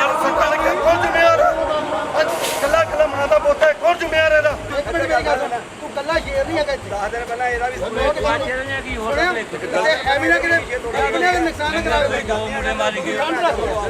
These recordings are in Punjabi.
ਯਾਰ ਸੱਟਾਂ ਲੱਗੀਆਂ, ਕੌਣ ਜ਼ਿੰਮੇਵਾਰ ਹੈ? ਕੱਲਾ ਕੱਲਾ ਮਾਂ ਦਾ ਪੁੱਤ ਹੈ, ਕੌਣ ਜ਼ਿੰਮੇਵਾਰ ਇਹਦਾ? ਇੱਕ ਮਿੰਟ ਮੇਰੀ ਗੱਲ ਸੁਣ, ਤੂੰ ਕੱਲਾ ਸ਼ੇਰ ਨਹੀਂ ਹੈਗਾ ਇੱਥੇ। 10 ਦਿਨ ਪਹਿਲਾਂ ਇਹਦਾ ਵੀ ਐਵੇਂ ਨਾ ਕਿਤੇ ਨੁਕਸਾਨ ਨਾ ਕਰਾਵੇ। ਮੁੰਡੇ ਮਾਰੀ ਗਏ ਸੁਣਨੇ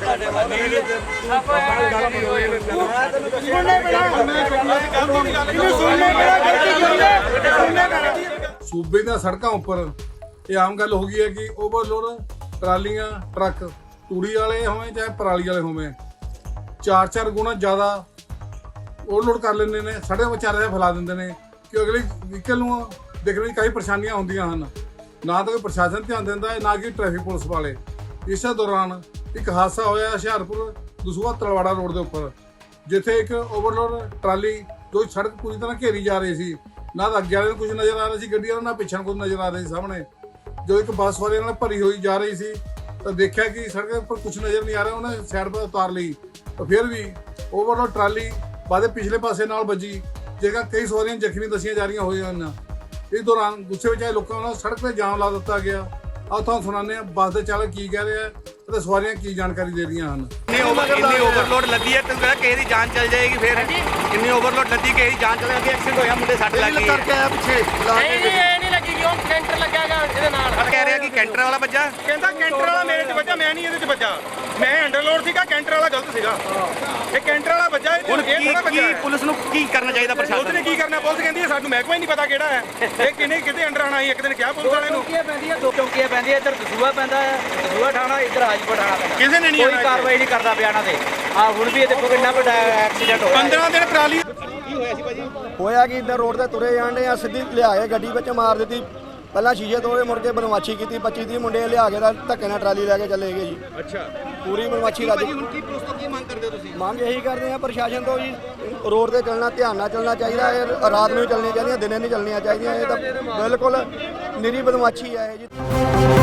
ਪੈਣਾ, ਇਹਨੂੰ ਸੁਣਨੇ ਪੈਣਾ, ਗਲਤੀ ਕੀ ਹੈ? ਸੁਣਨੇ ਪੈਣਾ। ਸੂਬੇ ਦੀਆਂ ਸੜਕਾਂ ਉੱਪਰ ਇਹ ਆਮ ਗੱਲ ਹੋ ਗਈ ਹੈ ਕਿ ਓਵਰਲੋਡ ਟਰਾਲੀਆਂ ਟਰੱਕ ਤੂੜੀ ਵਾਲੇ ਹੋਵੇ ਚਾਹੇ ਪਰਾਲੀ ਵਾਲੇ ਹੋਵੇ 4-4 ਗੁਣਾ ਜ਼ਿਆਦਾ ਓਵਰਲੋਡ ਕਰ ਲੈਂਦੇ ਨੇ, ਸੜਕਾਂ ਵਿਚਾਰੇ ਫੈਲਾ ਦਿੰਦੇ ਨੇ ਕਿ ਅਗਲੇ ਵਹੀਕਲ ਨੂੰ ਦੇਖਣ ਵਿੱਚ ਕਈ ਪਰੇਸ਼ਾਨੀਆਂ ਹੁੰਦੀਆਂ ਹਨ। ਨਾ ਤਾਂ ਕੋਈ ਪ੍ਰਸ਼ਾਸਨ ਧਿਆਨ ਦਿੰਦਾ ਹੈ, ਨਾ ਕਿ ਟ੍ਰੈਫਿਕ ਪੁਲਿਸ ਵਾਲੇ। ਇਸੇ ਦੌਰਾਨ ਇੱਕ ਹਾਦਸਾ ਹੋਇਆ ਹੁਸ਼ਿਆਰਪੁਰ ਦਸੂਹਾ ਤਲਵਾੜਾ ਰੋਡ ਦੇ ਉੱਪਰ, ਜਿੱਥੇ ਇੱਕ ਓਵਰਲੋਡ ਟਰਾਲੀ ਜੋ ਸੜਕ ਪੂਰੀ ਤਰ੍ਹਾਂ ਘੇਰੀ ਜਾ ਰਹੀ ਸੀ, ਨਾ ਤਾਂ ਅੱਗੇ ਵਾਲੇ ਨੂੰ ਕੁਝ ਨਜ਼ਰ ਆ ਰਿਹਾ ਸੀ ਗੱਡੀ ਵਾਲਾ, ਨਾ ਪਿੱਛੇ ਨੂੰ ਕੁਝ ਨਜ਼ਰ ਆ ਰਿਹਾ ਸੀ ਸਾਹਮਣੇ। ਜੋ ਇੱਕ ਬੱਸ ਵਾਲੇ ਨਾਲ ਭਰੀ ਹੋਈ ਜਾ ਰਹੀ ਸੀ ਤਾਂ ਦੇਖਿਆ ਕਿ ਸੜਕ ਉੱਪਰ ਕੁਝ ਨਜ਼ਰ ਨਹੀਂ ਆ ਰਿਹਾ, ਉਹਨੇ ਸਾਈਡ 'ਤੇ ਉਤਾਰ ਲਈ ਤਾਂ ਫਿਰ ਵੀ ਓਵਰਲੋਡ ਟਰਾਲੀ ਬਾਅਦ ਪਿਛਲੇ ਪਾਸੇ ਨਾਲ ਵੱਜੀ, ਜੇਕਰ ਕਈ ਸਵਾਰੀਆਂ ਜ਼ਖਮੀ ਦੱਸੀਆਂ ਜਾ ਰਹੀਆਂ ਹੋਈਆਂ ਹਨ। ਇਸ ਦੌਰਾਨ ਗੁੱਸੇ ਵਿੱਚ ਆਏ ਲੋਕਾਂ ਵੱਲੋਂ ਸੜਕ 'ਤੇ ਜਾਮ ਲਾ ਦਿੱਤਾ ਗਿਆ। ਆਓ ਤੁਹਾਨੂੰ ਸੁਣਾਉਂਦੇ ਹਾਂ ਬੱਸ ਦੇ ਚਾਲਕ ਕੀ ਕਹਿ ਰਿਹਾ ਅਤੇ ਸਵਾਰੀਆਂ ਕੀ ਜਾਣਕਾਰੀ ਦੇ ਰਹੀਆਂ ਹਨ। ਇੰਨੀ ਓਵਰਲੋਡ ਲੱਦੀ ਹੈ, ਤੈਨੂੰ ਕਹਿੰਦਾ ਕਿਸੇ ਦੀ ਜਾਨ ਚਲ ਜਾਏਗੀ। ਫਿਰ ਇੰਨੀ ਓਵਰਲੋਡ ਲੱਦੀ ਕਿਸੇ ਦੀ ਜਾਨ ਚਲ ਜਾਏਗੀ। ਐਕਸੀਡੈਂਟ ਹੋਇਆ, ਮੁੰਡੇ ਸੱਟ ਲੱਗ ਗਈ। ਕਰਕੇ ਆਇਆ ਪਿੱਛੇ ਨਹੀਂ ਲੱਗੀ ਕਿਉਂ ਕੈਂਟਰ ਲੱਗਿਆਗਾ ਇਹਦੇ ਨਾਲ। ਕਹਿ ਰਿਹਾ ਕਿ ਕੈਂਟਰ ਵਾਲਾ ਵੱਜਾ। ਕਹਿੰਦਾ ਕੈਂਟਰ ਵਾਲਾ ਮੇਰੇ 'ਚ ਵੱਜਾ, ਮੈਂ ਨਹੀਂ ਇਹਦੇ 'ਚ ਵੱਜਾ। ਮੈਂ ਅੰਡਰਲੋਡ ਸੀਗਾ, ਕੈਂਟਰ ਵਾਲਾ ਗਲਤ ਸੀਗਾ। ਇਹ ਕੈਂਟਰ ਵਾਲਾ ਵੱਜਾ, ਇਹ ਹੁਣ ਥੋੜਾ ਵੱਜਾ। ਕੀ ਪੁਲਿਸ ਨੂੰ ਕੀ ਕਰਨਾ ਚਾਹੀਦਾ ਪੁਲਿਸ ਪ੍ਰਸ਼ਾਸਨ ਨੇ ਕੀ ਕਰਨਾ? ਪੁਲਿਸ ਕਹਿੰਦੀ ਹੈ ਸਾਨੂੰ ਮਹਿਕਮਾ ਹੀ ਨਹੀਂ ਪਤਾ ਕਿਹੜਾ ਹੈ ਇਹ, ਕਿਤੇ ਅੰਡਰ ਆਣਾ ਸੀ। ਇੱਕ ਦਿਨ ਕਿਹਾ ਪੁਲਿਸ ਵਾਲੇ ਨੂੰ, ਦੋ ਚੌਂਕੀਆਂ ਪੈਂਦੀਆਂ, ਇੱਧਰ ਦਸੂਹਾ ਪੈਂਦਾ ਹੈ, ਦਸੂਹਾ ਠਾਣਾ, ਇੱਧਰ ਹਾਜੀਪੁਰ ਠਾਣਾ ਪੈਂਦਾ। ਕਿਸੇ ਨੇ ਨਹੀਂ ਕੋਈ ਕਾਰਵਾਈ ਨਹੀਂ ਕਰਦਾ ਪਿਆ ਇਹਨਾਂ ਤੇ। ਆ ਹੁਣ ਵੀ ਇਹ ਦੇਖੋ ਕਿੰਨਾ ਵੱਡਾ ਐਕਸੀਡੈਂਟ ਹੋਇਆ। 15 ਦਿਨ ਟਰਾਲੀ ਹੋਇਆ ਕਿ ਇੱਧਰ ਰੋਡ ਤੇ ਤੁਰੇ ਜਾਂਦੇ ਆ, ਸਿੱਧੀ ਲਿਆ ਕੇ ਗੱਡੀ ਵਿੱਚ ਮਾਰ ਦਿੱਤੀ। ਪਹਿਲਾਂ ਸ਼ੀਸ਼ੇ ਤੋੜੇ, ਮੁੜ ਕੇ ਬਦਮਾਸ਼ੀ ਕੀਤੀ। 25-30 ਮੁੰਡੇ ਲਿਆ ਕੇ ਧੱਕੇ ਨਾਲ ਟਰਾਲੀ ਲੈ ਕੇ ਚਲੇ ਗਏ ਜੀ। ਅੱਛਾ, ਪੂਰੀ ਬਦਮਾਸ਼ੀ ਰੱਜ। ਹੁਣ ਕੀ ਪੁਲਿਸ ਤੋਂ ਕੀ ਮੰਗ ਕਰਦੇ ਹੋ ਤੁਸੀਂ? ਮੰਗ ਇਹੀ ਕਰਦੇ ਆ ਪ੍ਰਸ਼ਾਸਨ ਤੋਂ ਜੀ, ਰੋਡ ਤੇ ਚੱਲਣਾ ਧਿਆਨ ਨਾਲ ਚੱਲਣਾ ਚਾਹੀਦਾ ਹੈ। ਰਾਤ ਨੂੰ ਹੀ ਚੱਲਣੀਆਂ ਚਾਹੀਦੀਆਂ, ਦਿਨੇ ਨਹੀਂ ਚੱਲਣੀਆਂ ਚਾਹੀਦੀਆਂ। ਇਹ ਤਾਂ ਬਿਲਕੁਲ ਨਿਰੀ ਬਦਮਾਸ਼ੀ ਹੈ ਜੀ।